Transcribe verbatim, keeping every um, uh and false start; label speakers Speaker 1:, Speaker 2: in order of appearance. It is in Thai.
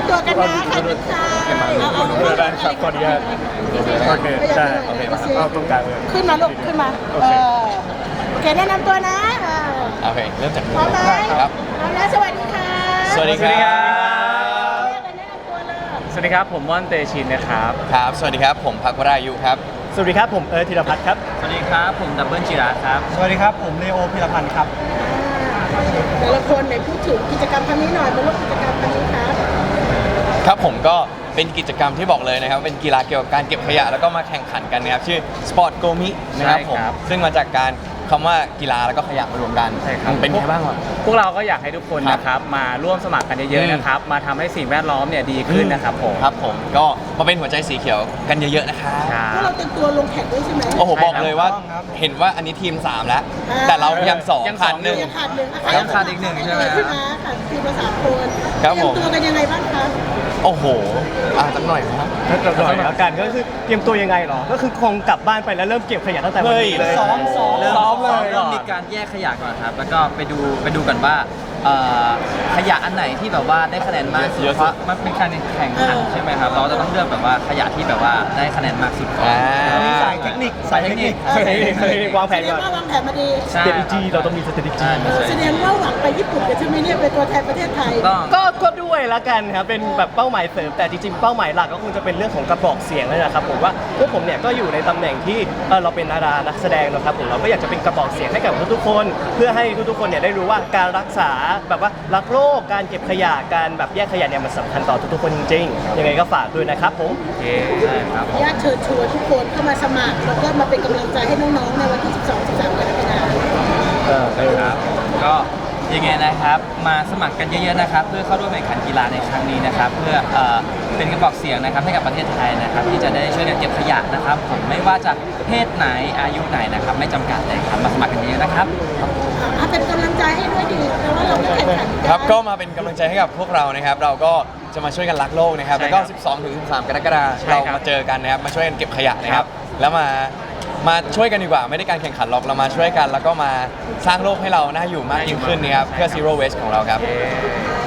Speaker 1: ตัวกันนะใครเป็นใครเอาเอา
Speaker 2: เพื่อได้ครับขออนุญาตโอเคได้โอเคมาเอาตรงกลางเลย
Speaker 1: ขึ้นมาลูกขึ้นมาเออโอเคแนะนำตัวนะเออ
Speaker 3: โอเคเริ่มจาก
Speaker 1: พร้อมไหม
Speaker 3: ครับ
Speaker 1: พร้อมแล้วสวัสดีค่ะ
Speaker 3: สวัสดีครับ
Speaker 1: แนะนำตัวเลย
Speaker 2: สวัสดีครับผมม่อนเตชินนะครับ
Speaker 3: ครับสวัสดีครับผมพักวรายุครับ
Speaker 2: สวัสดีครับผมเอิร์ธธีรพัฒน์ครับ
Speaker 4: สวัสดีครับผมดับเบิลจิราครับ
Speaker 2: สวัสดีครับผมเลโอพิรพันธ์ครับ
Speaker 1: แต่ละคนไหนพูดถึงกิจกรรมครั้งนี้หน่อยมาร่วมกิจกรรมครั้งนี้ครับ
Speaker 3: ครับผมก็เป็นกิจกรรมที่บอกเลยนะครับเป็นกีฬาเกี่ยวกับการเก็บขยะแล้วก็มาแข่งขันกันนะครับชื่อ Sport Go Mi นะครับผมซึ่งมาจากการคำว่ากีฬาแล้วก็ขยะมารวมกัน
Speaker 2: ใช่ครับ
Speaker 3: เป็นไงบ้างวะ
Speaker 2: พวกเราก็อยากให้ทุกคน
Speaker 3: ครับ
Speaker 2: นะครับมาร่วมสมัครกันเยอะๆนะครับมาทำให้สิ่งแวดล้อมเนี่ยดีขึ้นนะครับผม
Speaker 3: ครับผมก็มาเป็นหัวใจสีเขียวกันเยอะๆนะครับ
Speaker 2: ครับ
Speaker 1: พวกเราเตรียมตัวลงแข่งด้วยใช่ไหม
Speaker 3: โอ้โหบอกเลยว่า
Speaker 2: ใช่ครับ
Speaker 3: เห็นว่าอันนี้ทีมสามแล้ว
Speaker 1: อ่า
Speaker 3: แต่เรายังสอง
Speaker 2: ยังสอง
Speaker 3: ขาดหนึ่ง
Speaker 1: ยังขาดหนึ่ง
Speaker 4: ยังขาดอีกหนึ่งใช่ไหม
Speaker 1: ขึ้นมาขาดทีมละสามคน
Speaker 3: ครับผม
Speaker 1: เตรียมตัวกันยังไงบ้างคะ
Speaker 3: โอ้โหอ่ะสักหน่อยครับ
Speaker 5: ถ้าจะหน่อยแล้วกันก็คือเตรียมตัวยังไงหรอ ก็คือคงกลับบ้านไปแล้วเริ่มเก็บขยะตั้งแต่วันนี้เลย
Speaker 3: เฮ้ยซ้อมซ้อม
Speaker 5: ซ้อมเลย
Speaker 4: เริ่มมีการแยกขยะก่อนครับ แล้วก็ไปดูไปดูกันว่าเอ่อขยะอันไหนที่แบบว่าได้คะแนนมากสุด
Speaker 3: เยอะสุด
Speaker 4: เพราะมันเป็นการแข่งขันใช่ไหมครับเราจะต้องเลือกแบบว่าขยะที่แบบว่าได้คะแนนมากสุดก่อน
Speaker 3: อ่า
Speaker 5: มีสายเทคนิค
Speaker 4: สายเทคนิค
Speaker 5: สายเทคนิคสายเทคนิควางแผน
Speaker 1: แสด
Speaker 5: ก่
Speaker 1: ง
Speaker 5: อน
Speaker 1: ว่าวางแผนมาดี
Speaker 4: ใช่
Speaker 5: strategy เราต้องมี strategy
Speaker 4: ใช่
Speaker 1: เออแสดงว่าหวังไปญี่ปุ่นกันใช่ไหมเนี่ยเป็นตัวแทนประเทศไทย
Speaker 4: ต้อง
Speaker 5: ก็ก็ด้วยละกันครับเป็นแบบเป้าหมายเสริมแต่จริงๆเป้าหมายหลักก็คงจะเป็นเรื่องของกระบอกเสียงนั่นแหละครับผมว่าพวกผมเนี่ยก็อยู่ในตำแหน่งที่เออเราเป็นดารานักแสดงนะครับผมเราก็อยากจะเป็นกระบอกเสียงให้กับทุกๆคน เพื่อให้ทุกๆคนเนี่ยได้รู้ว่าการรักษาแบบว่ารักโลกการเก็บขยะการแบบแยกขยะเนี่ยมันสำคัญต่อทุกๆคนจริงๆยังไงก็ฝากด้วยนะครับผม
Speaker 4: โอเคใช่ครับผม
Speaker 1: ญาติเชิญชวนทุกคนเข้ามาสมัครแล้วก็มาเป็นกำลังใจให้น้องๆในวันที่ สิบสอง สิบสาม กรกฎาคม
Speaker 4: ครับก็ยังไงนะครับมาสมัครกันเยอะๆนะครับ เพื่อเข้าร่วมแข่งขันกีฬาในครั้งนี้นะครับ เพื่อเอ่อเป็นกระบอกเสียงนะครับให้กับประเทศไทยนะครับ ที่จะได้ช่วยกันเก็บขยะนะครับ ผมไม่ว่าจะเพศไหนอายุไหนนะครับ ไม่จำกัดเลยครับมาสมัครกันเยอะๆนะครับ
Speaker 1: อ่ะเป็นกำลังใจให้ด้วยดีแต่ว่าเราก็แข่งขันกัน
Speaker 3: ครับก็มาเป็นกำลังใจให้กับพวกเรานะครับ เราก็จะมาช่วยกันรักโลกนะครับ
Speaker 2: ใช่
Speaker 3: แล้วก็
Speaker 2: ครับ
Speaker 3: สิบสองถึงสิบสาม กรกฎาคม
Speaker 2: ใช่
Speaker 3: เรา
Speaker 2: ครับ
Speaker 3: มาเจอกันนะครับ มาช่วยกันเก็บขยะนะค
Speaker 2: ครั
Speaker 3: รับ
Speaker 2: บ
Speaker 3: แล้วมา มาช่วยกันดีกว่า ไม่ได้การแข่งขันหรอก เรามาช่วยกัน แล้วก็มาสร้างโลกให้เราน่าอยู่มากยิ่งขึ้นนะครับ เพื่อ zero waste ของเราครับ
Speaker 2: เย้